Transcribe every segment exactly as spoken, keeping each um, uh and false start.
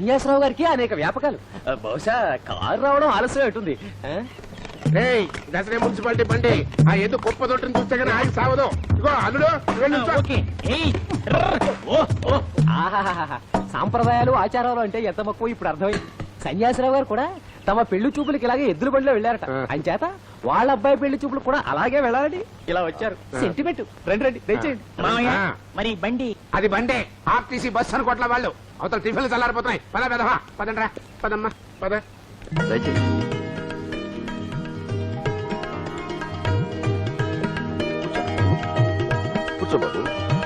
సన్యాసరావు గారికి అనేక వ్యాపకాలు. బహుశా కారు రావడం ఆలస్యం అవుతుంది. దసరా మున్సిపాలిటీ బండి ఆ ఏదో గొప్ప తోటని చూస్తే కానీ ఆగి సావదు. ఇగో అల్లుడు సాంప్రదాయాలు ఆచారాలు అంటే ఎంత మక్కువ ఇప్పుడు అర్థమైంది. సన్యాసరావు గారు కూడా తమ పెళ్లి చూపులకి ఇలాగే ఎద్దుల బండిలో వెళ్ళారట. అంచేత వాళ్ళ అబ్బాయి పెళ్లి చూపులు కూడా అలాగే వెళ్ళాలని ఇలా వచ్చారు. సెంటిమెంట్. రండి రండి దయచేయండి. మరి బండి అది బండే ఆర్టీసీ బస్ అనుకోట్ల వాళ్ళు అవతల టిఫిన్లు చల్లారిపోతున్నాయి. పద పెదవా పదండ్రా పదమ్మా పద. కూర్చోబాబు.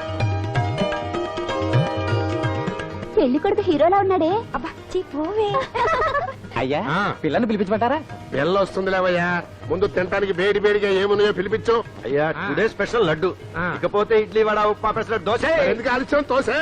పెళ్లి కొడుకు హీరోలా ఉన్నాడే. అబ్బా పోవే. అయ్యా పిల్లని పిలిపించమంటారా? పిల్ల వస్తుంది లేవయ్యా. ముందు తినడానికి వేడి వేడిగా ఏమున్నాయో పిలిపించు. అయ్యా టుడే స్పెషల్ లడ్డు, ఇకపోతే ఇడ్లీ వడ ఉప్మా పెసరట్టు దోశ. ఎందుకు ఆలస్యం? తోసే.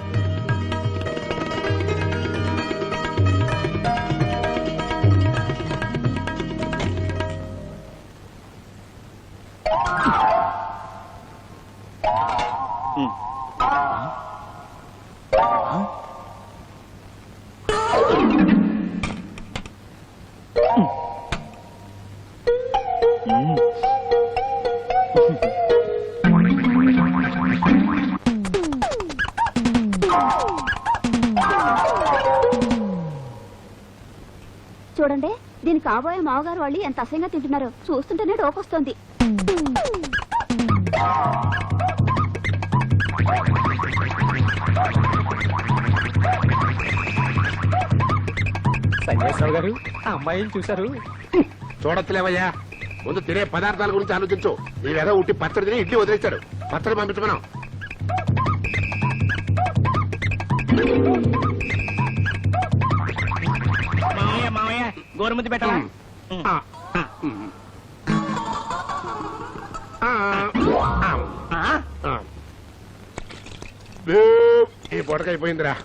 చూడండి, దీని కాబోయే మావగారు వాళ్ళు ఎంత అసహ్యంగా తింటున్నారో చూస్తుంటేనే డోకొస్తోంది. సన్యాసరావు గారు ఆ అమ్మాయిని చూశారు? చూడొచ్చులేవయ్యా. ముందు తినే పదార్థాల గురించి ఆలోచించు. ఈ వెధ ఉట్టి పచ్చడి తిని ఇడ్లీ వదిలేశాడు. పచ్చడి పంపించమనం. మామయ్య మామయ్య గోరుముద్ద పెట్టాలా? ఈ పొడకైపోయిందిరా.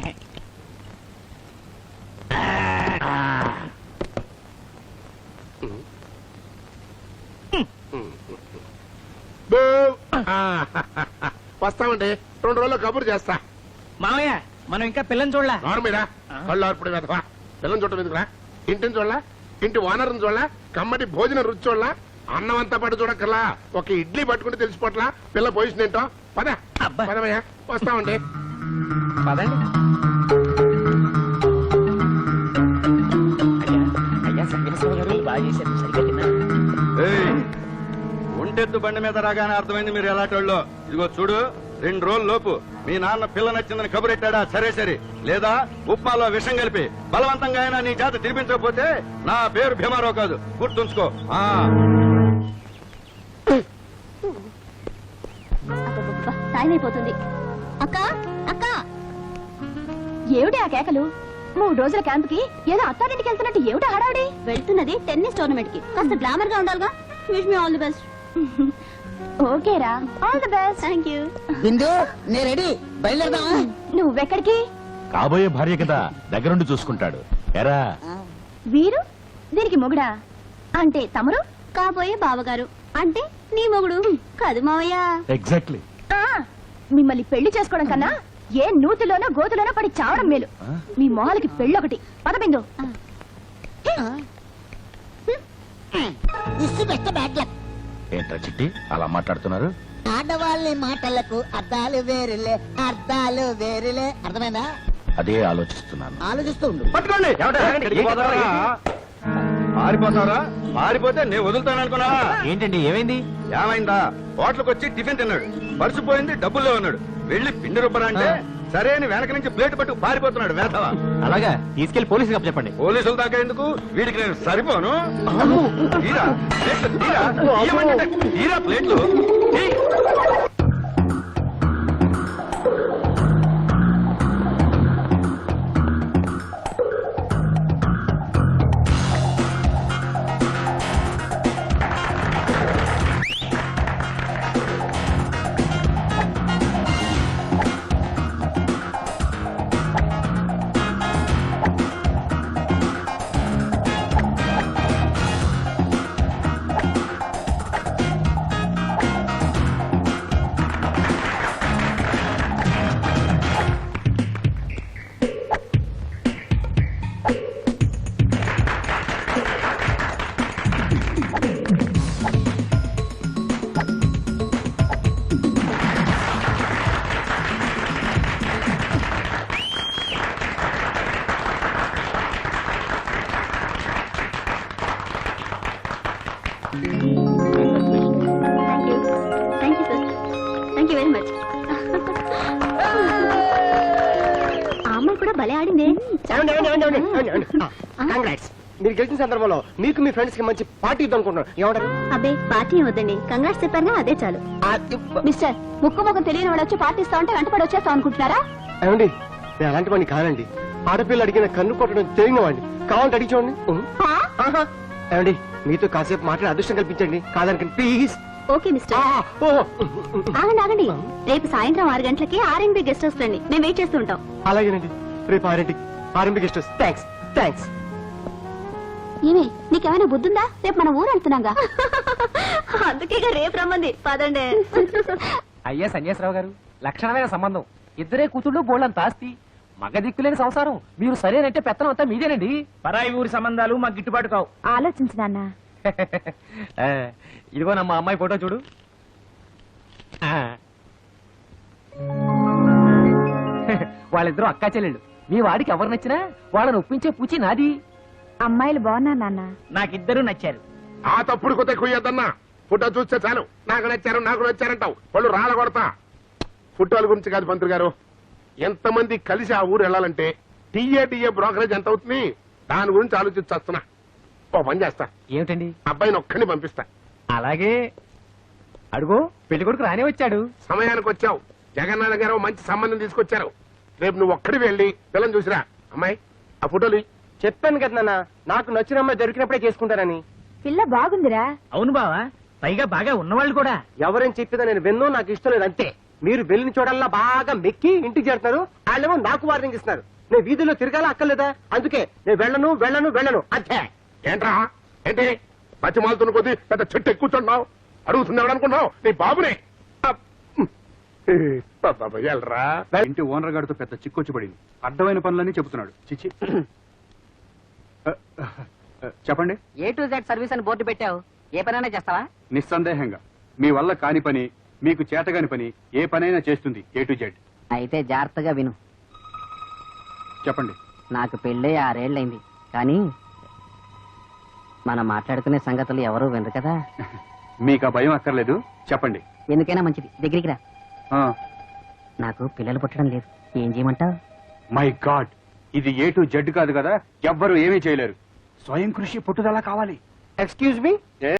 వస్తామండి, రెండు రోజుల్లో కబురు చేస్తా. మామయ్య మనం ఇంకా పిల్లని చూడలా? నార్మీరా కళ్ళు ఆర్పుడు వెధవా. పిల్లని చూడటం ఎందుకురా? ఇంటిని చూడలా, ఇంటి ఓనర్ని చూడలా, కమ్మటి భోజనం రుచి చూడలా, అన్నం అంతా పట్టు చూడక్కర్లా, ఒక ఇడ్లీ పట్టుకుంటే తెలిసిపోట్లా పిల్ల పొజిషన్ ఏంటో. పద పదమయ్యా, వస్తామండి. పదండి. అయ్యా సన్యాసరావు గారు బాగా చేశారు. సరిగ్గా తిన్నా. ఒంటెద్దు బండి మీద రాగానే అర్థమైంది మీరు ఎలాంటోళ్ళో. ఇదిగో చూడు, రెండు రోజుల లోపు మీ నాన్న పిల్ల నచ్చిందని కబురెట్టాడా సరే సరే, లేదా ఉప్మాలో విషం కలిపి బలవంతంగా అయినా నీ చేత తినిపించకపోతే నా పేరు భీమారావు కాదు, గుర్తుంచుకో. టైం అయిపోతుంది. అక్క అక్క ఏమిటి ఆ కేకలు? మూడు రోజుల క్యాంప్ కి ఏదో అత్తారింటికి వెళ్తున్నట్టు ఏమిటి హడావుడి? వెళ్తున్నది టెన్నిస్ టోర్నమెంట్ కి. కాస్త గ్లామర్ గా ఉండాలిగా. Wish me all the best. ఓకేరా, all the best. Thank you. Bindu నే రెడీ, బయలుదేరదాం. నువ్వెక్కడికి? కాబోయే భార్య కదా, దగ్గరుండి చూసుకుంటాడు. ఎరా వీరు దీనికి మొగుడా? అంటే తమరు కాబోయే బావగారు అంటే నీ మొగుడు కాదు మావయ్య. ఎగ్జాక్ట్లీ. మిమ్మల్ని పెళ్లి చేసుకోవడం కన్నా ఏ నూతిలోనో గోతులోనో పడి చావడం మేలు. మీ మొహాలకి పెళ్ళొకటి. పదబిందు. ఏంట్రా చిట్టి అలా మాట్లాడుతున్నారు? ఆడవాళ్ళ మాటలకు అర్థాలు వేరులే, అర్థాలు వేరులే. అర్థమైందా? అదే ఆలోచిస్తున్నాను. ఆలోచిస్తూ ఉండు. పట్టుకోండి. పారిపోతారా? పారిపోతే నేను వదులుతాను అనుకున్నా. ఏంటండి ఏమైంది? ఏమైందా? హోటల్కి వచ్చి టిఫిన్ తిన్నాడు, పరుచుపోయింది, డబ్బుల్లో ఉన్నాడు. వెళ్లి పిండి రుబ్బరా అంటే సరే అని వెనక నుంచి ప్లేట్ పట్టు పారిపోతున్నాడు వేధవా. అలాగా, తీసుకెళ్లి పోలీసులు చెప్పండి. పోలీసుల దాకా ఎందుకు, వీడికి నేను సరిపోను. తీరా ప్లేట్లు, తీరా తీయమంటే తీరా ప్లేట్లు. భలే ఆడింది కంగ్రాట్స్ మీరు గెలిచిన సందర్భంలో మీకు మీ ఫ్రెండ్స్ కి మంచి పార్టీ ఇద్దాం అనుకుంటున్నాను ఏమంటారు అబ్బే పార్టీ ఏం వద్దండి కంగ్రాట్స్ చెప్పారుగా అదే చాలు మిస్టర్ ముక్కు ముఖం తెలియని వాడు వచ్చి పార్టీ ఇస్తా ఉంటే వెంటపడి వచ్చేస్తాం అనుకుంటున్నారా ఏమండి నేను అలాంటి వాడిని కానండి ఆడపిల్ల అడిగిన కన్ను కొట్టడం తెలియని వాడిని కావాలంటే అడిగి చూడండి హా? ఏమండి మీతో కాసేపు మాట్లాడి అదృష్టం కల్పించండి కాదనుకండి ప్లీజ్ ఓకే మిస్టర్ ఆగండి ఆగండి రేపు సాయంత్రం ఆరు గంటలకి ఆర్ఎన్బి గెస్ట్ హౌస్ రండి మేము వెయిట్ చేస్తూ ఉంటాం అలాగేనండి రేపు ఆరింటికి RMP guest house thanks thanks ఏమే నీకేమైనా బుద్ధుందా రేపు మన ఊరు వెళ్తున్నాగా అందుకే రేపు రమ్మంది పదండి అయ్యా సన్యాసరావు గారు లక్షణమైన సంబంధం ఇద్దరే కూతుళ్ళు బోళ్ళంత ఆస్తి మగ దిక్కులేని సంసారం మీరు సరేనంటే పెత్తనం అంతా మీదేనండి పరాయి ఊరి సంబంధాలు మాకు గిట్టుబాటు కావు. ఆలోచించు నాన్న ఆ, ఇదిగో నమ్మ అమ్మాయి ఫోటో చూడు ఆ. వాళ్ళిద్దరూ అక్కా చెల్లెళ్ళు మీ వాడికి ఎవరు నచ్చినా వాళ్ళని ఒప్పించే పూచి నాది అమ్మాయిలు బాగున్నా నాన్న నాకిద్దరూ నచ్చారు. ఆ తప్పుడు కొత్త కుయ్యద్దన్నా ఫోటో చూస్తే చాలు నాకు నచ్చారు నాకు నచ్చారంటావు వాళ్ళు రాళ్ళ కొడతా ఫోటోల గురించి కాదు మంత్రి గారు ఎంతమంది కలిసి ఆ ఊరు వెళ్ళాలంటే టీఏ టీఏ బ్రోకరేజ్ ఎంత అవుతుంది దాని గురించి ఆలోచించేస్తున్నా ఓ పని చేస్తా ఏమిటండి అబ్బాయిని ఒక్కడిని పంపిస్తా అలాగే అడుగు పెళ్లి కొడుకు రానే వచ్చాడు సమయానికి వచ్చావు జగన్నాథ గారు మంచి సంబంధం తీసుకొచ్చారు రేపు నువ్వు ఒక్కడి వెళ్ళి పిల్లని చూసిరా అమ్మాయి ఆ ఫోటోలు ఇయ్యి. చెప్పాను కదా నాన్న నాకు నచ్చిన అమ్మాయి దొరికినప్పుడే చేసుకుంటానని పిల్ల బాగుందిరా అవును బావా పైగా బాగా ఉన్నవాళ్ళు కూడా. ఎవరేం చెప్పిదా నేను విన్నో నాకు ఇష్టం లేదు అంతే మీరు వెళ్ళిన చోటల్లా బాగా మెక్కి ఇంటికి చేరుతున్నారు వాళ్ళేమో నాకు వార్నింగ్ ఇస్తున్నారు నేను వీధిలో తిరగాల అక్కర్లేదా అందుకే నేను వెళ్ళను వెళ్ళను వెళ్ళను అంతే ఏంట్రా ఏంటి బతిమాలుతున్న కొద్దీ పెద్ద చెట్టు ఎక్కుతున్నావు అడుగుతున్నావు అనుకున్నావు నీ బాబునే అప్. బాబా, వెళ్ళరా ఇంటి ఓనర్ గారితో పెద్ద చిక్కొచ్చి పడింది అడ్డమైన పనులన్నీ చెబుతున్నాడు చిచ్చి చెప్పండి ఏ టు జెడ్ సర్వీస్ అని బోర్డు పెట్టావు ఏ పనైనా చేస్తావా? నిస్సందేహంగా మీ వల్ల కాని పని మీకు చేతగాని పని ఏ పనైనా చేస్తుంది ఏ టు జెడ్ అయితే జాగ్రత్తగా విను. చెప్పండి నాకు పెళ్ళి ఆరేళ్లైంది కానీ మనం మాట్లాడుకునే సంగతులు ఎవరు వినరు కదా. మీకు ఆ భయం అక్కర్లేదు చెప్పండి ఎందుకైనా మంచిది దగ్గరికి రా. ఆ, నాకు పిల్లలు పుట్టడం లేదు ఏం చేయమంటావు? మై గాడ్ ఇది ఏ టు జెడ్ కాదు కదా ఎవ్వరు ఏమీ చేయలేరు స్వయం కృషి పట్టుదల కావాలి ఎక్స్క్యూజ్ మీ ఏ